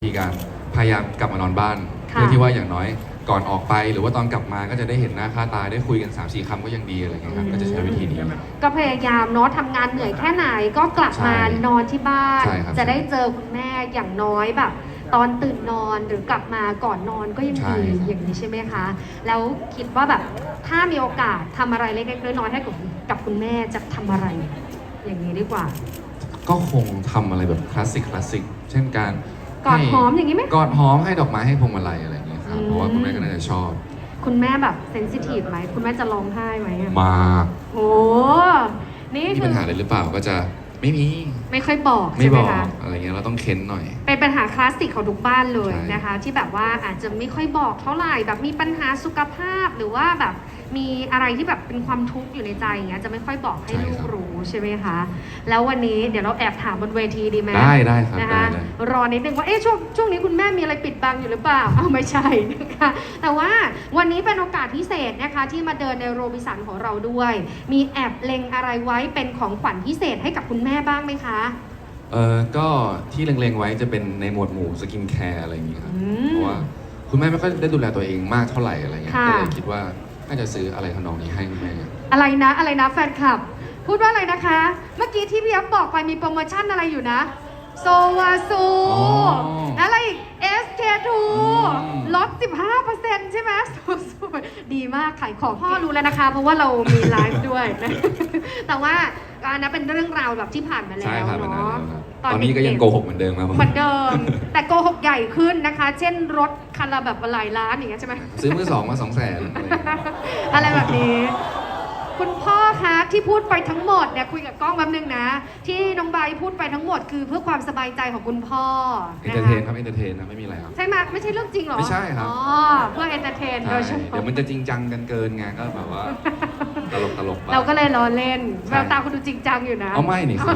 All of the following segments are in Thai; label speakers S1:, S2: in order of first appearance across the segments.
S1: มีการพยายามกลับมานอนบ้านเพื่อที่ว่าอย่างน้อยก่อนออกไปหรือว่าตอนกลับมาก็จะได้เห็นหน้าค่าตาได้คุยกัน 3-4 คำก็ยังดีอะไรเงี้ยครับก็จะใช้วิธีนี้
S2: ก็พยายามเนาะทำงานเหนื่อยแค่ไหนก็กลับมานอนที่บ้าน จะได้เจอคุณแม่อย่างน้อยแบบ ตอนตื่นนอนหรือกลับมาก่อนนอนก็ยังดีอย่างนี้ใช่ไหมคะแล้วคิดว่าแบบถ้ามีโอกาสทำอะไรเล็กๆน้อยๆให้กับคุณแม่จะทำอะไร อย่างนี้ดีกว่า
S1: ก็คงทำอะไรแบบคลาสสิกเช่นการ
S2: กอดหอมอย่างนี้ไหม
S1: กอดหอมให้ดอกไม้ให้พวงมาลัยอะไรอย่างเงี้ยครับเพราะว่าคุณแม่ก็น่าจะชอบ
S2: คุณแม่แบบเซนซิทีฟไหมคุณแม่จะร้องไห้ไหม
S1: มาก
S2: โอ้นี่
S1: มีปัญหาอะไรหรือเปล่าก็จะไม่
S2: ค่อยบอกใช่ไหมคะ
S1: อะไรเงี้ยเราต้องเค้นหน่อย
S2: เป็นปัญหาคลาสสิกของทุกบ้านเลยนะคะที่แบบว่าอาจจะไม่ค่อยบอกเท่าไหร่แบบมีปัญหาสุขภาพหรือว่าแบบมีอะไรที่แบบเป็นความทุกข์อยู่ในใจอย่างเงี้ยจะไม่ค่อยบอกให้ลูกรู้ใช่ไหมคะแล้ววันนี้เดี๋ยวเราแอบถามบนเวทีดีไหม
S1: ได้ครับ
S2: นะคะรอนิดนึงว่าช่วงนี้คุณแม่มีอะไรปิดบังอยู่หรือเปล่าไม่ใช่นะคะแต่ว่าวันนี้เป็นโอกาสพิเศษนะคะที่มาเดินในโรบินสันของเราด้วยมีแอบเล็งอะไรไว้เป็นของขวัญพิเศษให้กับคุณแม่บ้างไหมคะ
S1: ก็ที่เล็งๆไว้จะเป็นในหมวดหมู่สกินแคร์อะไรอย่างเงี้ยครับเพราะว่าคุณแม่ไม่ค่อยได้ดูแลตัวเองมากเท่าไหร่อะไรเงี้ยก็เลยคิดว่าน่าจะซื้ออะไรทำนองนี้ให้คุณแม่
S2: อะไรนะแฟนคลับพูดว่าอะไรนะคะเมื่อกี้ที่พี่อ๊อฟบอกไปมีโปรโมชั่นอะไรอยู่นะโซวาซูอะไรอีก SK2 ลด 15% ใช่ไหมดีมากขายของพ่อรู้แล้วนะคะเพราะว่าเรามีไลฟ์ด้วยนะแต่ว่าอันนั้นเป็นเรื่องราวแบบที่ผ่านมาแล้วเนาะ
S1: ตอนนี้ก็ยังโกหกเหมือนเดิมครับ
S2: เหมือนเดิมแต่โกหกใหญ่ขึ้นนะคะ เช่นรถคันละแบบหลายล้านอย่างเงี้ยใช่ไหม
S1: ซื้อมือสองมา200,000
S2: อะไรแบบนี้คุณพ่อคะที่พูดไปทั้งหมดเนี่ยคุยกับกล้องแป๊บนึงนะที่น้องใบพูดไปทั้งหมดคือเพื่อความสบายใจของคุณพ่อ
S1: เอนเตอร์เทนครับเอนเตอร์เทนนะไม่มีอะไรครับ
S2: ใช่ไหมไม่ใช่เรื่องจริงหรอ
S1: ไม่ใช่ครับ
S2: อ๋อเพื่อเอนเตอร์เทนโดยเฉพาะ
S1: เดี๋ยวมันจะจริงจังกันเกินไงก็แบบว่าตลก
S2: เราก็เลยล้อเล่นแววตาคุณดูจริงจังอยู่นะ
S1: เอาไม่นี่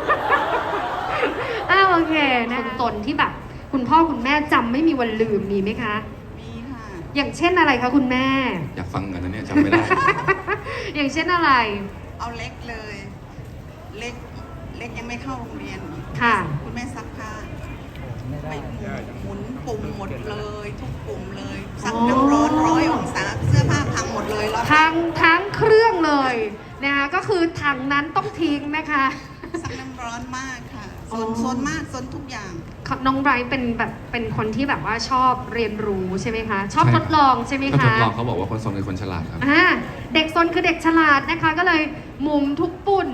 S2: โอเคนะตนที่แบบคุณพ่อคุณแม่จำไม่มีวันลืมมีไหมคะ
S3: มีค่ะ
S2: อย่างเช่นอะไรคะคุณแม่
S1: อยากฟังกันนะเนี่ยจำไม่ได้
S2: อย่างเช่นอะไร
S3: เอาเล็กเลยเล็กยังไม่เข้าโรงเรียน
S2: ค่ะ
S3: คุณแม่ซักผ้าไปหมุนปุ่มหมดเลยทุกปุ่มเลยซักน้ำร้อน100 องศาเสื้อผ้าพังหมดเลยแล้ว
S2: ทั้งเครื่องเลยนะคะก็คือถังนั้นต้องทิ้งนะคะ
S3: ซักน้ำร้อนมากค่ะโซนมากโซนทุกอย่าง
S2: น้องไบรท์เป็นคนที่แบบว่าชอบเรียนรู้ใช่ไหมคะชอบทดลองใช่ไหมคะ
S1: ทดลองเขาบอกว่าคนซนคือคนฉลาดครับ
S2: เด็กซนคือเด็กฉลาดนะคะก็เลยหมุนทุกปุ่ม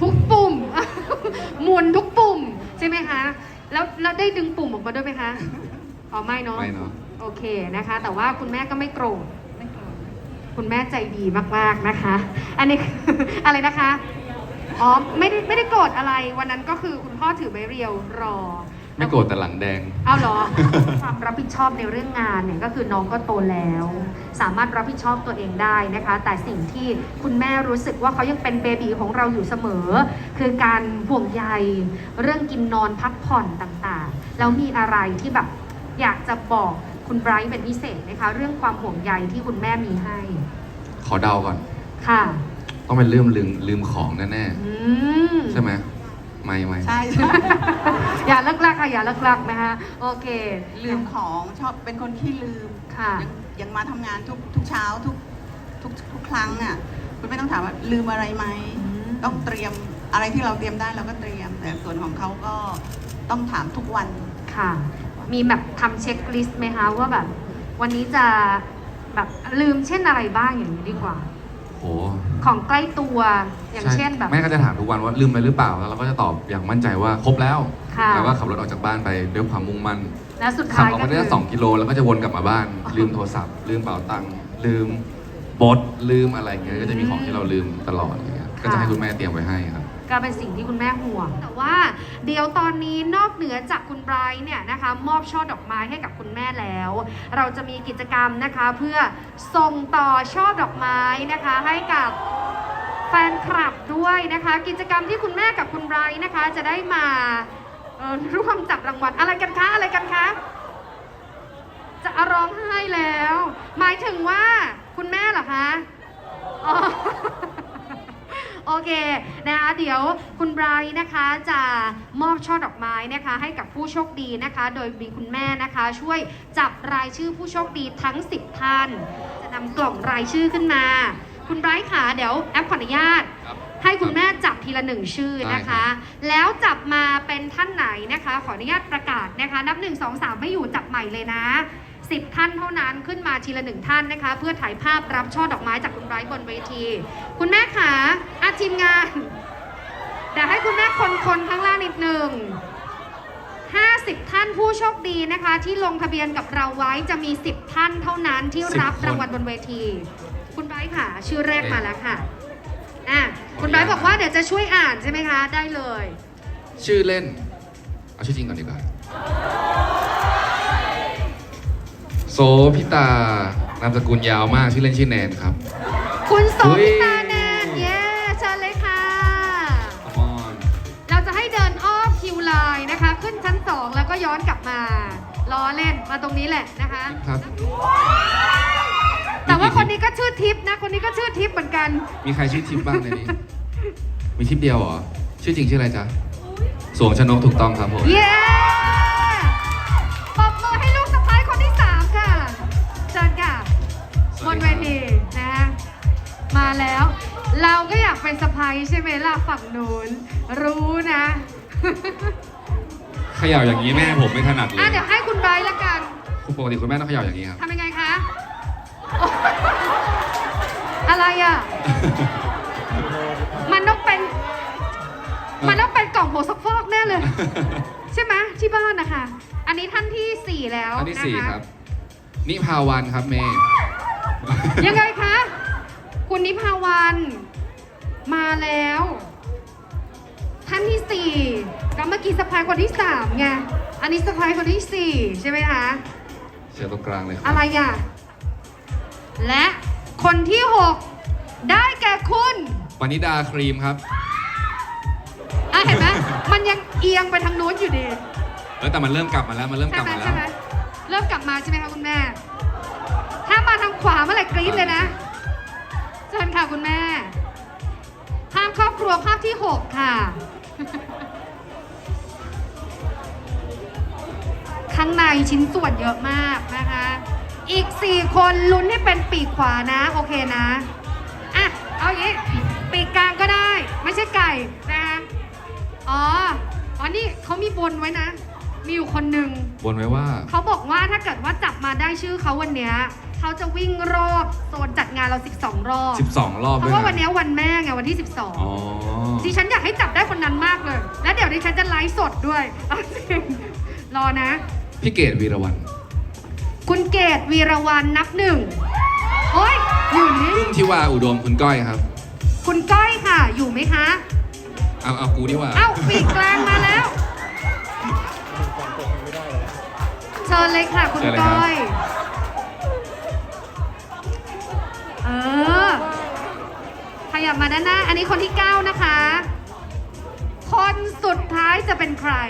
S2: หมุนทุกปุ่มใช่ไหมคะแล้วได้ดึงปุ่มออกมาด้วยไหมคะอ๋อไม่เนาะโอเคนะคะแต่ว่าคุณแม่ก็ไม่โกรธคุณแม่ใจดีมากๆนะคะอันนี้อะไรนะคะอ๋อไม่ได้โกรธอะไรวันนั้นก็คือคุณพ่อถือไม้เรียวรอ
S1: ไม่โกรธแต่หลังแดง
S2: เอาเหรอความรับผิดชอบในเรื่องงานเนี่ยก็คือน้องก็โตแล้วสามารถรับผิดชอบตัวเองได้นะคะแต่สิ่งที่คุณแม่รู้สึกว่าเขายังเป็นเบบีของเราอยู่เสมอคือการห่วงใยเรื่องกินนอนพักผ่อนต่างๆแล้วมีอะไรที่แบบอยากจะบอกคุณไบรท์เป็นพิเศษนะคะเรื่องความห่วงใยที่คุณแม่มีให้
S1: ขอเดาก่อน
S2: ค่ะ
S1: ต้องเป็นลืมของแน่ๆใช่ไหมไม่
S3: ใช่
S2: อย่าเลิกลักค่ะอย่าเลิกลักนะคะโอเค
S3: ลืมของชอบเป็นคนขี้ลืม
S2: ค่ะ
S3: ยังมาทำงานทุกเช้าทุกครั้งอ่ะคุณไม่ต้องถามว่าลืมอะไรไหมต้องเตรียมอะไรที่เราเตรียมได้เราก็เตรียมแต่ส่วนของเขาก็ต้องถามทุกวัน
S2: ค่ะมีแบบทำเช็คลิสต์ไหมคะว่าแบบวันนี้จะแบบลืมเช่นอะไรบ้างอย่างนี้ดีกว่าของใกล้ตัวอย่างเช่นแบบ
S1: แม่ก็จะถามทุกวันว่าลืมไปหรือเปล่าแล้วเราก็จะตอบอย่างมั่นใจว่าครบแล้วแล้วก็ขับรถออกจากบ้านไปด้วยความมุ่งมั่น
S2: แล้วสุดท้าย
S1: ขับออกมาได้2 กิโลแล้วก็จะวนกลับมาบ้านลืมโทรศัพท์ลืมเป๋าตังค์ลืมบทลืมอะไรเงี้ยก็จะมีของที่เราลืมตลอดอย่างเงี้ยก็จะให้คุณแม่เตรียมไว้ให้ครับ
S2: ก็เป็นสิ่งที่คุณแม่ห่วงแต่ว่าเดี๋ยวตอนนี้นอกเหนือจากคุณไบรท์เนี่ยนะคะมอบช่อดอกไม้ให้กับคุณแม่แล้วเราจะมีกิจกรรมนะคะเพื่อส่งต่อช่อดอกไม้นะคะให้กับแฟนคลับด้วยนะคะกิจกรรมที่คุณแม่กับคุณไบรท์นะคะจะได้มาร่วมจับรางวัลอะไรกันคะจะร้องไห้แล้วหมายถึงว่าคุณแม่เหรอคะโอเคนะคะเดี๋ยวคุณไบรท์นะคะจะมอบช่อดอกไม้นะคะให้กับผู้โชคดีนะคะ โดยมีคุณแม่นะคะช่วยจับรายชื่อผู้โชคดีทั้ง 10 ท่านจะนำกล่องรายชื่อขึ้นมา คุณไบรท์ค่ะเดี๋ยวแอปขออนุญาต
S1: ครับ
S2: ให้คุณแม่จับทีละ1ชื่อนะคะ แล้วจับมาเป็นท่านไหนนะคะ ขออนุญาตประกาศนะคะ นับ 1 2 3 ไม่อยู่จับใหม่เลยนะ 10 ท่านเท่านั้นขึ้นมาทีละ1ท่านนะคะ เพื่อถ่ายภาพรับช่อดอกไม้จากคุณไบรท์บนเวที คุณแม่ขาทีมงานเดี๋ยวให้คุณแม่คนข้างล่างนิดหนึ่ง50 ท่านผู้โชคดีนะคะ ที่ลงทะเบียนกับเราไว้จะมี 10 ท่านเท่านั้นที่รับ
S1: 10 คน
S2: รางวัลบนเวที คุณไบรท์ค่ะ ชื่อแรกมาแล้วค่ะคุณไบรท์บอกว่าเดี๋ยวจะช่วยอ่านใช่ไหมคะ ได้เลย
S1: ชื่อเล่น เอาชื่อจริงก่อนดีกว่า โสพิตานามสกุลยาวมากชื่อเล่นชื่อแนนครับ
S2: คุณโส
S1: เฮ้ย
S2: พิตาแนนเย้เชิญเลยค่ะ
S1: Come on
S2: เราจะให้เดินอ้อมคิวไลน์นะคะ ขึ้นชั้น 2 แล้วก็ย้อนกลับมาล้อเล่นมาตรงนี้แหละนะคะ
S1: ครับ
S2: แต่ว่าคนนี้ก็ชื่อทิพย์นะ คนนี้ก็ชื่อทิพย์เหมือนกัน
S1: มีใครชื่อทิพย์บ้างในนี้ มีทิพย์เดียวเหรอ ชื่อจริงชื่ออะไรจ๊ะ สวงชนกถูกต้องครับผม
S2: เย้ปรบมือให้ลูกสะใภ้คนที่ 3 ค่ะเชิญค่ะ
S1: ส
S2: บ
S1: วัส
S2: น
S1: ดี
S2: เว
S1: ครับ
S2: ทีนะมาแล้ว เราก็อยากเป็นสะใภ้ใช่ไหมล่ะฝั่งนู้นรู้นะ
S1: เขย่าอย่างนี้แม่ผมไม่ถนัดเลย
S2: เดี๋ยวให้คุณไบรท์ละกัน
S1: คุณปกติคุณแม่ต้องเขย่าอย่างนี้ครับ
S2: ทำยังไงคะ อะไรอ่ะ มันต้องเป็นกล่องโบซักฟอกแน่เลย ใช่ไหมที่บ้านนะคะ อันนี้ท่านที่ 4 แล้ว
S1: อันที่
S2: นะคะ
S1: 4 ครับ นิพาวันครับเมย์
S2: ยังไงคะ คุณนิพาวันมาแล้ว ท่านที่ 4ก็เมื่อกี้สะพายคนที่ 3 ไง อันนี้สะพายคนที่ 4 ใช่ไหมคะ
S1: เชียร์ตรงกลางเลยครั
S2: อะไรอ่ะ และคนที่ 6 ได้แก่คุณ
S1: ปณิดาครีมครับ
S2: เห็นไหม มันยังเอียงไปทางนู้นอยู่ดี
S1: แต่มันเริ่มกลับมาแล้ว มันเริ่มก
S2: ใช่
S1: ลับ
S2: ไหม
S1: มาแล้
S2: ใช่
S1: ว
S2: ไหมเริ่มกลับมาใช่ไหมคะคุณแม่ ถ้ามาทางขวาเมื่อไหร่กรี๊ดเลยนะเชิญค่ะคุณแม่ ภาพครอบครัวภาพที่ 6 ค่ะ ข้างในชิ้นส่วนเยอะมากนะคะ อีก 4 คนลุ้นให้เป็นปีกขวานะ โอเคนะ เอาอย่างนี้ปีกกลางก็ได้ ไม่ใช่ไก่นะคะอ๋อนี่เขามีบนไว้นะ มีอยู่คนหนึ่ง
S1: บนไว้ว่า
S2: เขาบอกว่าถ้าเกิดว่าจับมาได้ชื่อเขาวันเนี้ยเขาจะวิ่งรอบโซนจัดงานเรา 12 รอบ
S1: 12 รอบ
S2: เพ
S1: ด้วย
S2: ราะว่าวัน
S1: นะ
S2: เนี้ยวันแม่ไงวันที่
S1: อ๋อ
S2: 12ดิฉันอยากให้จับได้คนนั้นมากเลย แล้วเดี๋ยวดิฉันจะไลฟ์สดด้วยเอาจริงรอนะ
S1: พี่เกดวีรวัน
S2: คุณเกตวีรวันนับ 1 โอ้ยอยู่นี่
S1: พึ่งทิวาอุดมคุณก้อยครับ
S2: คุณก้อยค่ะ อยู่ไหมคะ
S1: เอากูดีกว่า
S2: เอ้าปีกกลางมาแล้ว เชิญเลยค่ะคุณ
S1: เชิญเลยครับ
S2: ก้อย ขยับมาด้านหน้า อันนี้คนที่ 9 นะคะ คนสุดท้ายจะเป็นใคร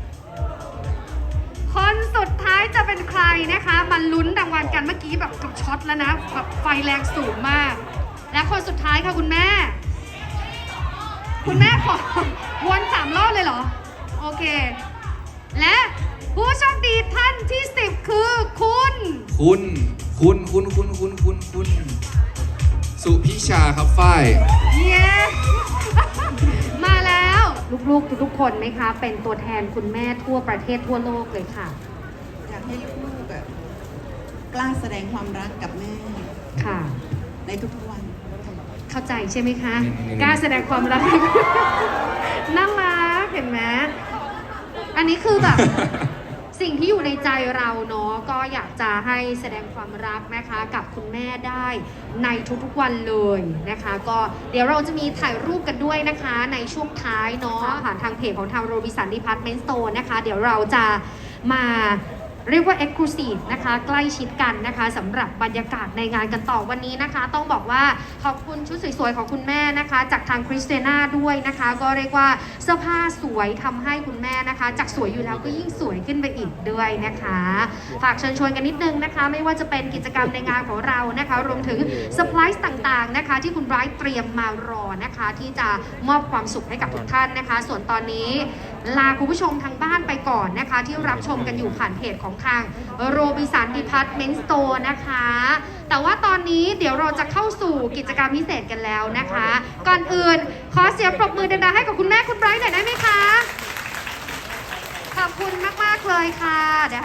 S2: คนสุดท้ายจะเป็นใครนะคะมาลุ้นรางวัลกันเมื่อกี้แบบกับช็อตแล้วนะแบบไฟแรงสูงมาก และคนสุดท้ายค่ะคุณแม่ คุณแม่ขอวน3 รอบเลยเหรอ โอเค และผู้โชคดีท่านที่ 10 คือคุณ
S1: คุณสุพิชาครับฝ้าย
S2: เย้ มาแล้ว ลูกๆทุกๆคนไหมคะ เป็นตัวแทนคุณแม่ทั่วประเทศทั่วโลกเลยค่ะ
S3: อยากให้ลูกๆกล้าแสดงความรักกับแม่
S2: ค่ะ
S3: ในทุกๆวัน
S2: เข้าใจใช่ไหมคะ
S1: อืม
S2: กล้าแสดงความรัก น่ารักเห็นไหมอันนี้คือแบบ สิ่งที่อยู่ในใจเราเนาะก็อยากจะให้แสดงความรักนะคะกับคุณแม่ได้ในทุกๆวันเลยนะคะ ก็เดี๋ยวเราจะมีถ่ายรูปกันด้วยนะคะในช่วงท้ายเนาะผ่านทางเพจของทางโรบินสันดีพาร์ตเมนต์สโตร์นะคะ เดี๋ยวเราจะมาเรียกว่า Exclusive นะคะใกล้ชิดกันนะคะสำหรับบรรยากาศในงานกันต่อวันนี้นะคะ ต้องบอกว่าขอบคุณชุดสวยๆของคุณแม่นะคะ จากทางคริสเตน่าด้วยนะคะ ก็เรียกว่าเสื้อผ้าสวยทำให้คุณแม่นะคะ จากสวยอยู่แล้วก็ยิ่งสวยขึ้นไปอีกด้วยนะคะฝากเชิญชวนกันนิดนึงนะคะ ไม่ว่าจะเป็นกิจกรรมในงานของเรานะคะ รวมถึงเซอร์ไพรส์ต่างๆนะคะ ที่คุณไบรท์เตรียมมารอนะคะ ที่จะมอบความสุขให้กับทุกท่านนะคะ ส่วนตอนนี้ลาคุณผู้ชมทางบ้านไปก่อนนะคะ ที่รับชมกันอยู่ผ่านเพจของทางโรบินสันดีพาร์ตเมนต์สโตร์นะคะ แต่ว่าตอนนี้เดี๋ยวเราจะเข้าสู่กิจกรรมพิเศษกันแล้วนะคะ ก่อนอื่นขอเสียงปรบมือดังๆให้กับคุณแม่คุณไบรท์หน่อยได้ไหมคะ ขอบคุณมากๆเลยค่ะเดี๋ยว